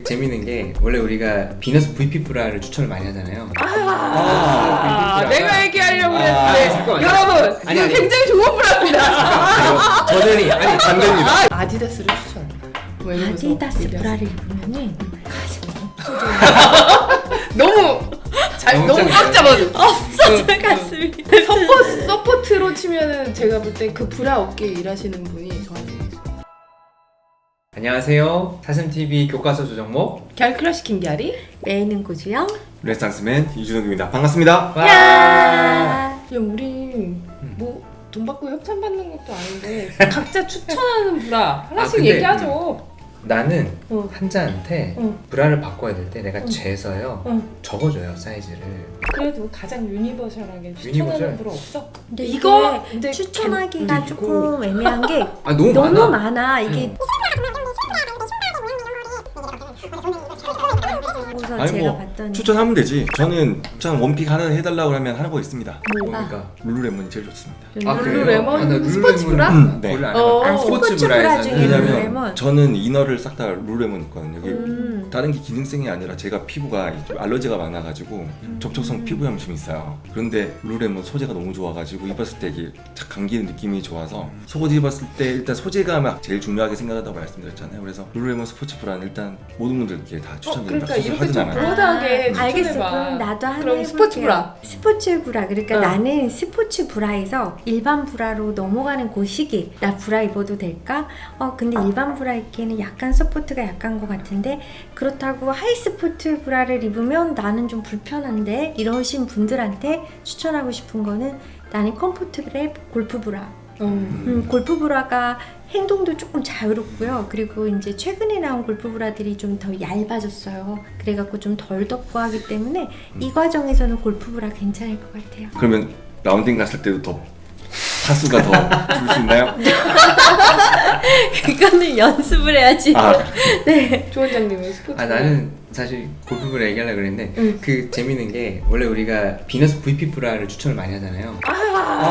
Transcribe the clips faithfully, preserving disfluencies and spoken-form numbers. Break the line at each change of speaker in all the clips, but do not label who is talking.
재밌는 게 원래 우리가 비너스 브이피 브라를 추천을 많이 하잖아요.
아,
아,
아 내가 얘기하려고
아,
했는데
잠깐만.
여러분
아니,
이거
아니.
굉장히 좋은 브라입니다.
저는 아니 반대입니다.
아, 아디다스를 추천. 왜냐면
아디다스
얘기하세요.
브라를 입으면은 가슴이 없어져요.
너무 잘
너무
너무
짱이네.
꽉 잡아줘.
없어져
응,
가슴이.
서포 서포트로 치면은 제가 볼 때 그 브라 업계 일하시는 분이 저한테
안녕하세요. 사슴티비 교과서 조정목.
갤크러쉬 김기아리.
메이는 고주영.
레스탕스맨 이준욱입니다. 반갑습니다.
와.
야.
야 우리 뭐 돈 받고 협찬 받는 것도 아닌데 각자 추천하는 브라 하나씩
아, 근데
얘기하죠.
나는
어.
환자한테
어.
브라를 바꿔야 될 때 내가
어.
재서요
어.
적어줘요 사이즈를.
그래도 가장 유니버셜하게 추천하는
유니버셜?
브라 없어?
근데
이거
이게
이제
추천하기가
그리고-
조금 애매한 게
아 너무,
너무
많아.
많아. 이게
응.
그래서
아니
제가
뭐
봤더니
추천하면 되지. 저는 참 원픽 하나 해달라고 하면 하는 거 있습니다.
뭡니까?
룰루레몬이 제일 좋습니다.
아, 그래요?
룰루레몬
아, 나
스포츠
룰루레몬
브라?
음, 네.
원래 안
어.
해봤-
아, 스포츠 브라
브라에서는
중에
왜냐면
룰루레몬.
저는 이너를 싹 다 룰루레몬 있거든요. 이게
음.
다른 게 기능성이 아니라 제가 피부가 좀 알러지가 많아가지고 접촉성 피부염이 좀 있어요. 그런데 룰루레몬 소재가 너무 좋아가지고 입었을 때 이게 착 감기는 느낌이 좋아서 속옷 입었을 때 일단 소재가 막 제일 중요하게 생각한다고 말씀드렸잖아요. 그래서 룰루레몬 스포츠 브라는 일단 모든 분들께 다
어,
추천드립니다.
그러니까 이렇게
하진
좀
않아요.
브로드하게
아, 알겠어.
추천해봐.
그럼 나도 하나
그럼
해볼게요.
스포츠 브라.
스포츠 브라. 그러니까
응.
나는 스포츠 브라에서 일반 브라로 넘어가는 그 시기. 나 브라 입어도 될까? 어 근데 일반 브라 입기에는 약간 서포트가 약한 것 같은데 그렇다고 하이스포츠 브라를 입으면 나는 좀 불편한데 이러신 분들한테 추천하고 싶은 거는 나는 컴포트블의 골프 브라.
음.
음, 골프 브라가 행동도 조금 자유롭고요. 그리고 이제 최근에 나온 골프 브라들이 좀 더 얇아졌어요. 그래갖고 좀 덜 덥고 하기 때문에 이 과정에서는 골프 브라 괜찮을 것 같아요.
그러면 라운딩 갔을 때도 더 타수가 더 줄 수 있나요?
그거는 연습을 해야지.
아,
조 원장님은 스포츠
아
브라.
나는 사실 골프브라 얘기하려고 그랬는데
응.
그 재밌는 게 원래 우리가 비너스 브이피 브라를 추천을 많이 하잖아요.
아,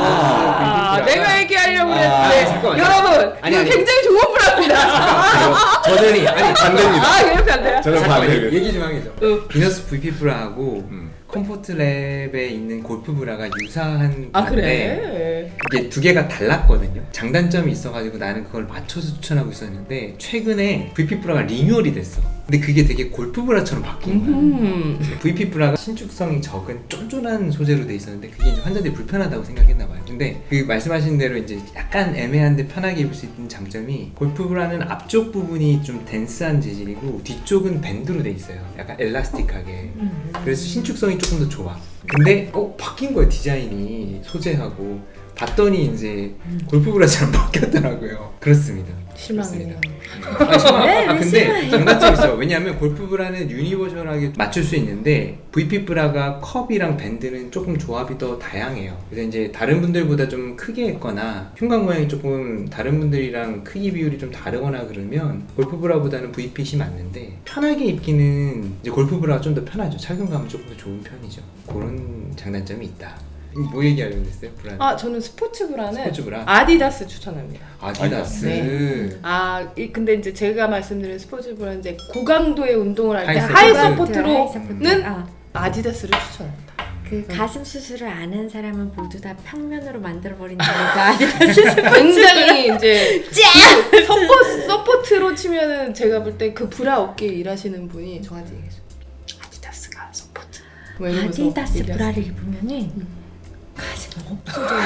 아,
내가 얘기하려고
아,
했는데
잠깐만,
여러분
아니,
이거
아니.
굉장히 좋은 브라입니다.
저는 아니 반대입니다.
아 이렇게 안 돼요?
저는
잠깐만
반대.
얘기 좀 하겠죠.
응.
비너스 브이피 브라하고
음.
컴포트랩에 있는 골프 브라가 유사한
아
건데
그래?
이게 두 개가 달랐거든요. 장단점이 있어가지고 나는 그걸 맞춰서 추천하고 있었는데 최근에 브이피 브라가 리뉴얼이 됐어. 근데 그게 되게 골프 브라처럼 바뀐 거야.
음.
브이피 브라가 신축성이 적은 쫀쫀한 소재로 돼 있었는데 그게 이제 환자들이 불편하다고 생각했나 봐요. 근데 그 말씀하신 대로 이제 약간 애매한데 편하게 입을 수 있는 장점이 골프 브라는 앞쪽 부분이 좀 덴스한 재질이고 뒤쪽은 밴드로 돼 있어요. 약간 엘라스틱하게. 그래서 신축성이 조금 더 좋아. 근데 어 바뀐 거예요 디자인이 소재하고 봤더니 이제 골프 브라처럼 바뀌었더라고요. 그렇습니다.
실망이네요.
그렇습니다. 아, 실망.
왜?
아,
왜
근데
실망해?
장단점이 있어. 왜냐하면 골프 브라는 유니버셜하게 맞출 수 있는데 브이피 브라가 컵이랑 밴드는 조금 조합이 더 다양해요. 그래서 이제 다른 분들보다 좀 크게 했거나 흉곽 모양이 조금 다른 분들이랑 크기 비율이 좀 다르거나 그러면 골프 브라보다는 브이핏이 맞는데 편하게 입기는 이제 골프 브라가 좀 더 편하죠. 착용감은 조금 더 좋은 편이죠. 그런 장단점이 있다. 뭐 얘기하려고 했어요? 브라.
아 저는 스포츠 브라는
스포츠 브라.
아디다스 추천합니다.
아디다스.
네. 아 이, 근데 이제 제가 말씀드린 스포츠 브라는 이제 고강도의 운동을 할 때
하이
하이
서포트.
서포트로는
아,
아디다스를 추천합니다.
그 가슴 수술을 안 한 사람은 모두 다 평면으로 만들어 버린다니까. 아디다스
굉장히 이제 그 서포, 서포트로 치면은 제가 볼 때 그 브라 업계 일하시는 분이 저한테 얘기했어요. 아디다스가 서포트. 뭐 이러면서
아디다스
얘기하세요.
브라를 입으면은 가슴이 없어져요.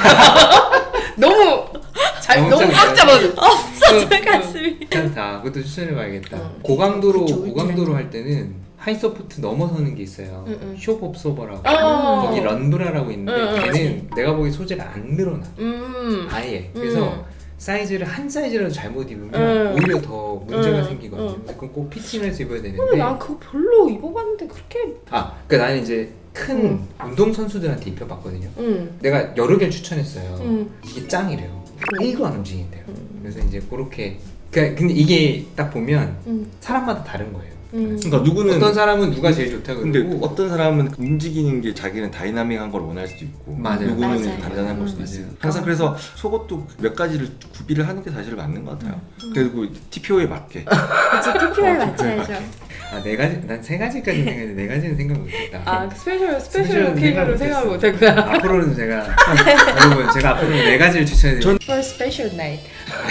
너무 잘
너무
너무 꽉
짱이다.
잡아줘.
없어져
응,
가슴이.
괜찮다. 그것도 추천해봐야겠다.
응.
고강도로
그쵸,
고강도로 할 때는 하이 서포트 넘어서는 게 있어요.
응, 응.
쇼 옵소버라고
어.
거기 런브라라고 있는데
응, 응.
걔는 내가 보기 소재가 안 늘어나.
음.
아예. 그래서
음.
사이즈를 한 사이즈라도 잘못 입으면
응.
오히려 더 문제가
응,
생기거든요.
응.
그래서 그건 꼭 피팅해서 입어야
근데
되는데.
난 그거 별로 입어봤는데 그렇게.
아, 그러니까 나는 이제 큰
응.
운동 선수들한테 입혀봤거든요.
응.
내가 여러 개를 추천했어요.
응.
이게 짱이래요.
응.
일도 안 움직인대요.
응.
그래서 이제 그렇게. 그러니까 근데 이게 딱 보면
응.
사람마다 다른 거예요.
응.
그러니까 누구는
어떤 사람은 누가 제일 좋다 그러고
근데 어떤 사람은 움직이는 게 자기는 다이나믹한 걸 원할 수도 있고
맞아요.
누구는
맞아요.
단단한 걸 수도
음,
있어요.
맞아요.
항상 그래서 속옷도 몇 가지를 구비를 하는 게 사실 맞는 것 같아요. 그리고 티피오에 맞게.
그치, 티피오에
어,
맞춰야죠.
아, 네 가지, 난 세 가지까지 생각했는데 네 가지는 생각 못했다.
아, 그 스페셜 스페셜
스페셜은
케이크로 생각 못했구나.
앞으로는 제가 여러분 제가 앞으로는 네 가지를 추천해드릴게요.
For special night.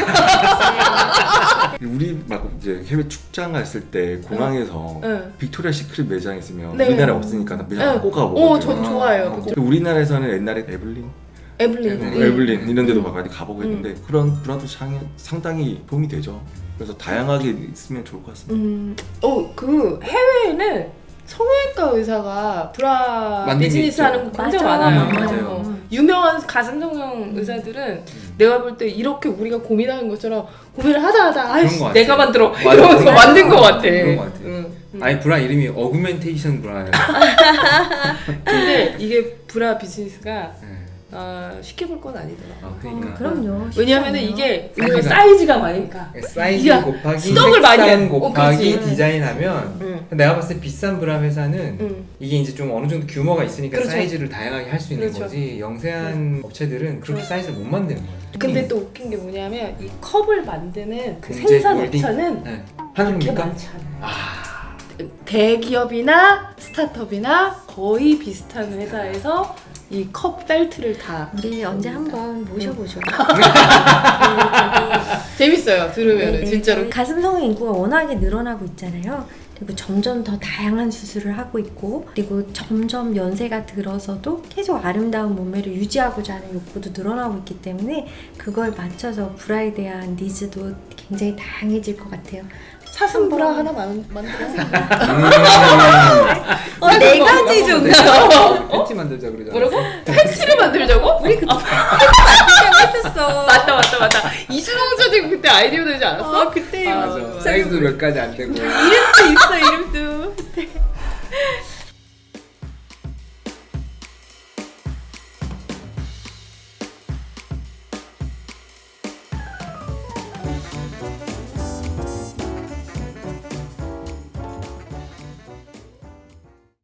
우리 막 이제 해외 출장 갔을 때 공항에서
응.
빅토리아 시크릿 매장 있으면
네.
우리나라에 없으니까 매장
응.
꼭 가보거든요.
어, 저도 좋아해요.
어,
그쪽.
우리나라에서는 옛날에 에블린,
에블린.
음.
응.
에블린 이런 데도
음.
막 많이 가보고 했는데 그런 브라도 상이 상당히 도움이 되죠. 그래서 다양하게 있으면 좋을 것 같습니다.
음, 어, 그 해외에는 성형외과 의사가 브라
만든 게
비즈니스
있죠.
하는 거 굉장히
맞아.
많아요.
음, 맞아요.
어, 유명한 가슴 성형 의사들은 내가 볼 때 이렇게 우리가 고민하는 것처럼 고민을 하다 하다 아이씨
것
내가
같아요.
만들어
맞아.
이러면서
맞아.
만든 것 같아.
그런 것 같아요.
응, 응.
아니 브라 이름이 어그멘테이션 브라예요.
근데 이게 브라 비즈니스가
네.
어, 쉽게 볼 건 아니더라.
아
어,
그러니까
그럼요. 쉽지
왜냐면은
않아요.
이게
사이즈가-
우리가 사이즈가 많으니까.
사이즈
야,
곱하기
스톡을 많이
색상
해. 어,
곱하기
그렇지.
디자인하면
응.
내가 봤을 때 비싼 브라 회사는
응.
이게 이제 좀 어느 정도 규모가 있으니까
그렇죠.
사이즈를 다양하게 할 수 있는
그렇죠.
거지 영세한 업체들은 그렇게
응.
사이즈를 못 만드는 거예요.
근데 또 웃긴 게 뭐냐면 이 컵을 만드는 그
공제
생산
홀딩?
업체는
네.
그렇게
한국입니까?
많지 않아요.
아
대기업이나 스타트업이나 거의 비슷한 회사에서 이 컵 벨트를 다
우리 언제 한번 모셔보죠.
재밌어요 들으면
네,
은
네.
진짜로.
가슴 성형 인구가 워낙에 늘어나고 있잖아요. 그리고 점점 더 다양한 수술을 하고 있고, 그리고 점점 연세가 들어서도 계속 아름다운 몸매를 유지하고자 하는 욕구도 늘어나고 있기 때문에 그걸 맞춰서 브라에 대한 니즈도 굉장히 다양해질 것 같아요.
사슴 브라 하나 만, 만들어.
어, 네 가지 정도.
팬티 만들자 그러잖아.
뭐라고? 팬츠를 만들자고? 우리 그때
했었어.
맞다 맞다 맞다. 이준홍 선생님 그때 아이디어 내지 않았어?
어, 그때
아,
맞아.
맞아.
사이즈도 몇 가지 안 되고.
이름도 있어, 이름도.